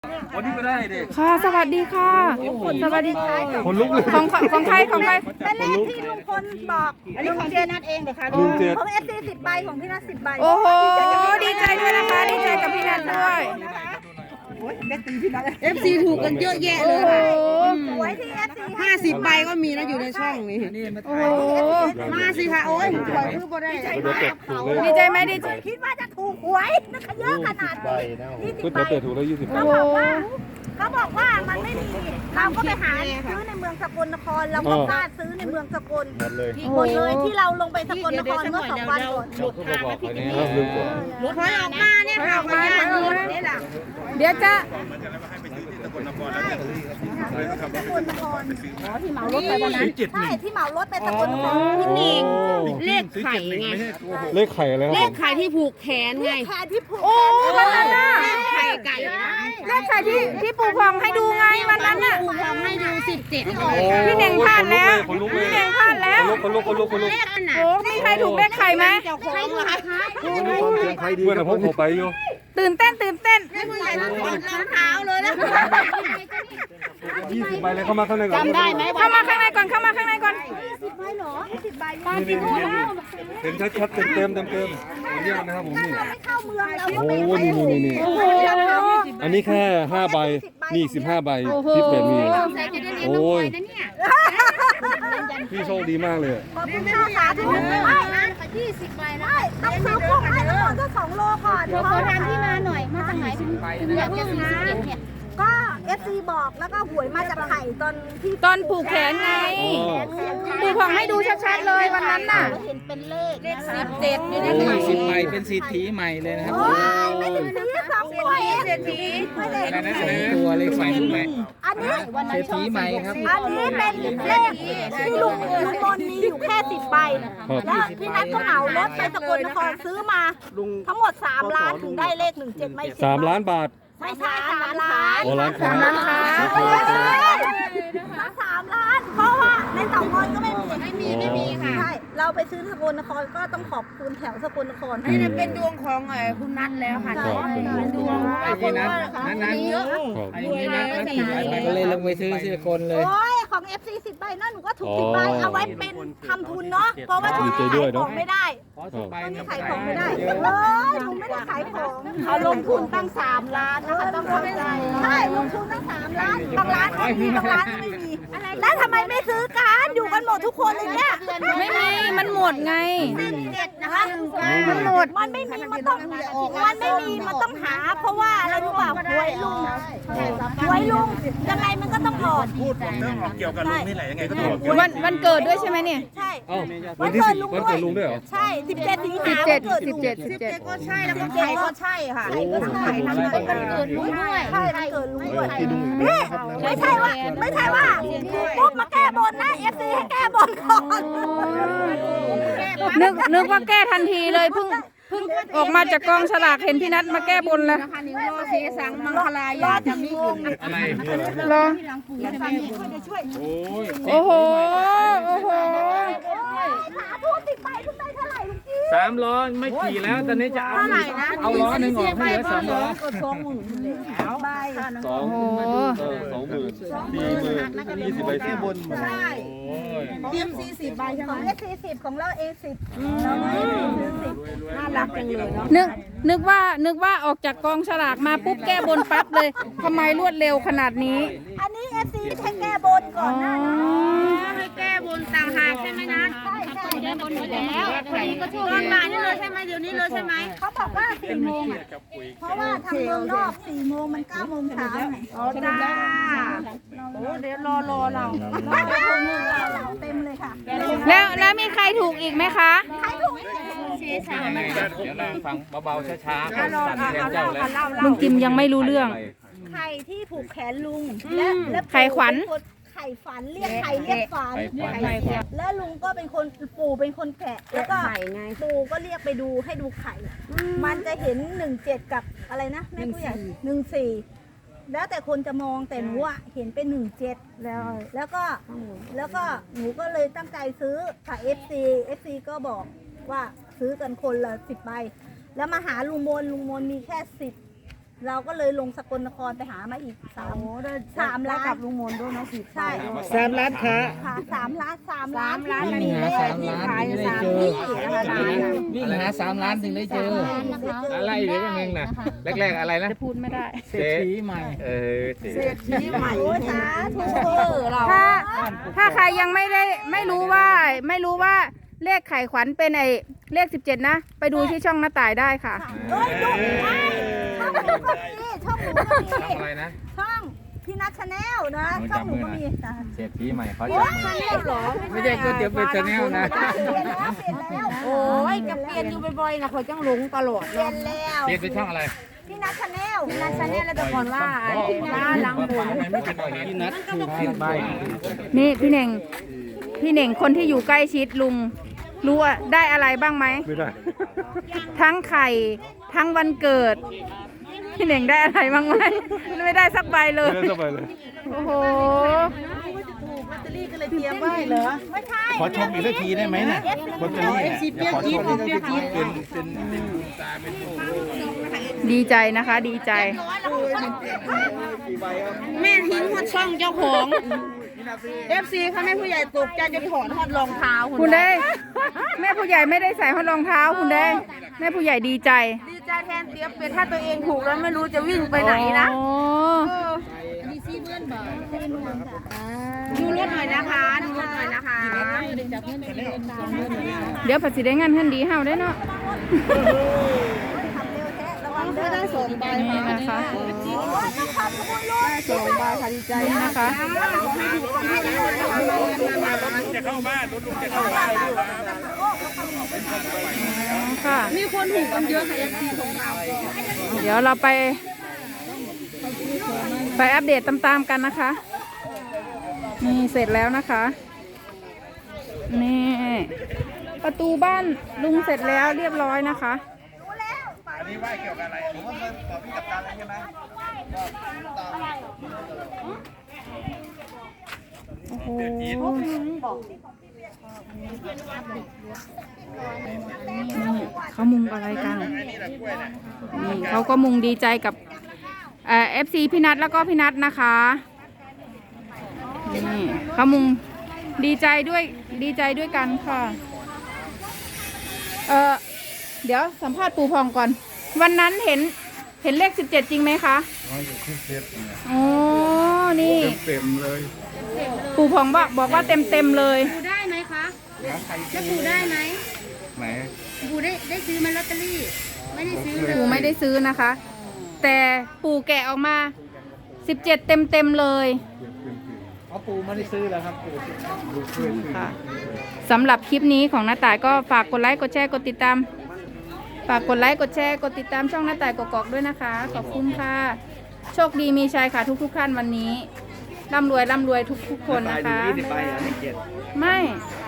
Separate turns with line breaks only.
วันนี้ก็ได้เด็ก
ค่ะสวัสดีค่ะสวัสดี
คนลุกเลย
ของใคร
เป็นเลขที่ลุงพลบอกลุงเจนัดเองเดี๋ยวค่ะ
ลุงเจ็ด
ของFC 10 ใบของพี่นัท10 ใบ
โอ้โหดีใจด้วยนะคะดีใจกับพี่นัทด้วย
FC ถูกกันเยอะแยะเล
โอ้
ย
โห
ค่ะ
หวยที่ FC
50 ใบก็มีนะอยู่ในช่องนี้
โอ้โห
มาสิค่ะ โอ้ยปล่อยคือบ่ได้
เดี๋ยวเป็ดถูกเลย
ดีใจไหมดีใจ
คิดว่าจะถูกหวยนะคะเยอะขนาดนี้20
ก๋วย
ใบ
เตี๋ยวเป็ดถูกแล้ว20
โอ้
เขา
โห
บอกว่ามันไม่มีเราก็ไปหาซื้อในเมืองสกลนครเราก็กล้าซื้อในเมืองสกล
หมดเลย
หมดเลยที่เราลงไปสกลนครเมื่อ2 วันก่อน
เขาก็บอกไปเนี่ยครับลืมกด
ถอยออกมาเนี่ยค่ะออกมาเนี่ยล่ะ
เดี๋ยวจะ
สกลนครที่เหมารถไปวันนั้นใช่ที่เหมารถไปสกลนคร
พี่หนิงเลขไข่ไง
เลขไข่อะไรครับ
เลขไข่ที่ผูกแขนไง
แขนที่ผูก
โอ้วันนั้นน่ะ
เลขไข่ไก่นะ
เลขใครที่ปู่พองให้ดูไงวันนั้นน่ะ
ผูกทำให้ดู17
พี่เน่งพลาดแล้วพี่เน่งพลาดแล้ว
คนลุก
เลขอันไหน
โอ้มีใครถูกเลขไข่ไหม
เจ้าของเหรอคะ
ใครดีเพื่อนผมเขาไปอยู่
ตื่นเต้น
ให้ผู้ใหญ่ต้องถอดรองเท้าเลยนะ
20 ใบเลยเข้ามาข้างในก่อน
จำได้ไหม
เข้ามาข้างในก่อนเข้ามาข้างในก่อน
10 ใบเหรอ10 ใบ
นี่เห็นชัดๆเต็มเยี่ยมนะครับผมนี่
เราไม่เข้าเมืองเราก็
โอ้
ไม่
โหนี่
โอ้โห
อันนี้แค่5 ใบนี่15 ใบที่เป็ดมีโอ้ยพี่โชคดีมากเลย
ขอบคุณค่ะสาธุไม่นะ20 ใบนะต้องซื้อพวกให้ทั้งหมดก็2 โลก่อนเดี๋ยวขอทานที่มาหน่อยมาจากไหนถึงอยากจะซื้อ17เนี่ยก็ FC บอกแล้วก็หวยมาจากไข่ตอนที่
ตอนผูกแขนไงปู่พองให้ดูชัดๆเลยวันนั้นน่ะ
เห็นเป็นเลข
17อยู่ในไข่
10 ใบเป็นสิทธิใหม่เลยนะครับ
โอ้ยไม่ถึงซื้อ2 ตัวเองไม่ได้
อะไรนะตัวเลขไฟถูกไหม
อันนี้
เศรษฐีใหม่ครับ
อันนี้เป็นเลขที่ลุงมนมีอยู่แค่10 ใบแล้วพี่นัทก็เหมารถไปสกลนครซื้อมาทั้งหมด3 ล้านถึงได้เลข17ไม่
3
10
ล้านบาท
ไม่ใช่3 ล้าน
โอ้ล้านค้า
ทั้ง3 ล้าน เพราะว่าในเต่างอยก็ไม่มีค่ะใช่เราไปซื้อสกลนครก็ต้องขอบคุณแถวสกลนคร
นี่เป็นดวงของคุณนัทแล้วค่ะ
เป็นดวง
ไอ้ที่นั้นนั้นเยอะไอ้ที่นั้นก็เลยลงไปซื้อสิคนเลย
โอ้ยของ FC 10 ใบนั่นหนูก็ถูก10 ใบเอาไว้เป็นทำทุนเนาะเพราะว่าช่วงนี้ขายของไม่ได้
ขอสุใบ
ช่วงนี้
นะ
ขายของไม่ได้เลยหนูไม่ได้ขายของเขาลงทุนตั้ง3 ล้านนะคะต้องเข้าใจใช่ลงทุนตั้ง3 ล้านบางร้านก็มีบางร้านก็ไม่มีแล้วทำไมไม่ซื้อกันอยู่กันหมดทุกคนเลยเนี่ย
ไม่มีมันหมดไง
17นะคะ
มันหมด
มันไม่มีมันต้องหา เพราะว่าอะไรรู้เปล่าหวยลุงยังไงมันก็ต้องออก
เกี่ยวกับลุงนี่แหละยังไงก็ต้อง
วันเกิดด้วยใช่ไหมเนี่ย
ใช่
เอ้าวันที่10วันเกิดลุงด้วยเหรอ
ใช่17 สิงหา
17
ก็ใช่แล้วก็ไข่ก็ใช่ค่ะ
ไข่ก็ใช่
มันเกิดลุงด้วย
ใช่มันเกิดลุงด้วยนี่ไม่ใช่ว่าปุ๊บมาแก้บนนะ FC ให้แก้บนก่อน
นึกว่าแก้ทันทีเลยเพิ่งออกมาจากกองฉลากเห็นพี่นัทมาแก้บนแล้ว
นิ้วรอเสสังมังคลายาจะมี
อะไร
รอ
โอ้ย
โอ้โหโอ้โห
สาธุติดไปทุกใบเท่าไหร่ลุงจี้
3 ล้อไม่ขี่แล้วตอนนี้จะเอาล้อหนึ่งออกให้เหลือ2 ล้อ
ใบ
2
โอ้โห
20,000 40 ใบที่บน
ใช่
เตรียม40 ใบใช่ไหม
ของ FC 10ของเรา A10 เราไม่ซื้อ10
น่ารักจังเลยเนาะ
นึกว่าออกจากกองฉลากมาปุ๊บแก้บนปั๊บเลยทำไมรวดเร็วขนาดนี้
อันนี้ FC ให้แก้บนก่อนหน้านี้
ให้แก้บนต่างหากใช่ไหมนะ
ใช่แก้บนหมดแล้ว
ตอนบ่ายนี่เลยใช่ไหมเดี๋ยวนี้เลยใช่ไหม
เขาบอกว่า4 โมงเพราะว่าทางเมืองนอก4 โมงมัน9 โมงเช้าไง
จ้าโอ้เดี๋ยวรอเรา
เราเต็มเลยค่ะ
แล้วมีใครถูกอีกไหมคะ
ใครถูก
เดี๋ยวนั่งฟังเบาๆช้าๆสั่นแทนเจ้าแล้ว
ลุงจิมยังไม่รู้เรื่อง
ไข่ที่ผูกแขนลุงและ
ไข่ขวัญ
ไข่ฝันเรียกไข่เรียกฝันและลุงก็เป็นคนปู่เป็นคนแกะแล้วก็ปู่ก็เรียกไปดูให้ดูไข่ มันจะเห็น17กับอะไรนะแม่ผู้ใหญ่14แล้วแต่คนจะมองแต่หนูอะเห็นเป็น17แล้วก็หนูก็เลยตั้งใจซื้อค่ะ FC ก็บอกว่าซื้อกันคนละ10 ใบแล้วมาหาลุงมนมีแค่เราก็เลยลงสกลนครไปหามาอีก3 ล้านกับลุงมนด้วยเนาะใช่
3 ล้านค้า
ค่ะ3 ล้าน3 ล้าน
วิ่งหา3 ล้านถึงได้เจอวิ่งหา3 ล้านถึงได้เจออะไรหรือยังไงน่ะแรกๆอะไรนะ
พูดไม่ได้
เศรษฐีใหม่เศรษฐี
ใหม่สาธุ
ถ้าใครยังไม่รู้ว่าเลขไข่ขวัญเป็นเลข17นะไปดูที่ช่องหน้าต่ายได้ค่ะ
เอ้ยดูไม่ช่องหนูก็มีช่องหนูก็มี
ทำอะไรนะ
ช่องพี่นัทชาแนลนะช่องหนูก็มีนะ
เศรษฐีใหม่เขา
โอ้
จะ
ชาแนลเหรอ
ไม่ใช่ก๋วยเตี๋ยวเป็นชาแนลนะ
เปลี่ยนแล้วเปลี่ยนแล้ว
โอ้ยจะเปลี่ยนอยู่บ่อยๆนะเขาจังหลงตลอด
เปลี่ยนแล้ว
เปลี่ยนเป็นช่องอะไร
พี่นัทชาแนล
นันชาแนลแล้วแต่ก่อนว่าหลังหัว
พี่นัทคือผิดใบ
นี่พี่เน่งคนที่อยู่ใกล้ชิดลุงรู้ว่าได้อะไรบ้างไหม
ไม่ได้
ทั้งไข่ทั้งวันเกิด พี่เน่งได้อะไรบ้างไหมไม่ได้สักใบเลย
ไม่ได้สบายเลย
โอ้โห
ไม่ใช่
ขอชมอีกสักทีได้ไหมน่ะลอตเตอรี่เนี่ยขอชมอีกสักทีเป็น
ดีใจนะคะดีใจ
แม่ทิ้งฮอดช่องเจ้าของ FC เขาให้ผู้ใหญ่ตกใจจนถอดฮอดรองเท้า
คุณได้แม่ผู้ใหญ่ไม่ได้ใส่ห้รองเท้าคุณได้แม่ผู้ใหญ่ดีใจ
ดีใจแทนเตี้ยเป็นถ้าตัวเองถูกแล้วไม่รู้จะวิ่งไปไหนนะ
โอ้
ดูรถหน่อยนะคะดูรถหน่อยนะคะ
เดี๋ยวผัดสีได้งานขึ้นดีเฮาได้เนาะ
ได้2 ใบ
นี่นะคะ
ต้องขอบคุณลูก
2 ใบค่ะดีใจนะคะ
จะเข้าบ้านรถลุงจะเข้าบ้าน
ค่ะ
มีคนถูกกันเยอะค่ะ FC ของเรา
เดี๋ยวเราไปอัปเดตตามๆกันนะคะ นี่เสร็จแล้วนะคะ นี่ประตูบ้านลุงเสร็จแล้วเรียบร้อยนะคะ
อันนี้ว่าเกี่ยวกับอะไรผมว่าตอบพี่กับตาอะไรใช่ไหม
โอ้โหเขามุงอะไรกันนี่เขาก็มุงดีใจกับFC พี่นัทแล้วก็พี่นัทนะคะนี่เขามุงดีใจด้วยกันค่ะเดี๋ยวสัมภาษณ์ปู่พองก่อน วันนั้นเห็นเลข17จริงไหมคะอ๋อนี่
เต็มเลย
ปู่พองบอกว่าเต็มเลย
ปูได้ไหมคะจะปูได้ไหม
ไหน
ปูได้ซื้อมาลอตเตอรี่ ไม่ได้ซื้อเลย
ปู่ไม่ได้ซื้อนะคะ แต่ปู่แกะออกมา17เต็มเลย
อ๋อปูไม่ได้ซื้อแล้วครับปู
ค่ะสำหรับคลิปนี้ของน้าต่ายก็ฝากกดไลค์กดแชร์กดติดตามฝากกดไลค์กดแชร์กดติดตามช่องน้าต่ายกอกๆด้วยนะคะขอบคุณค่ะโชคดีมีชัยค่ะทุกท่านวันนี้ร่ำรวยทุกคนนะคะ
20 ใบไม่เก็บ
ไม่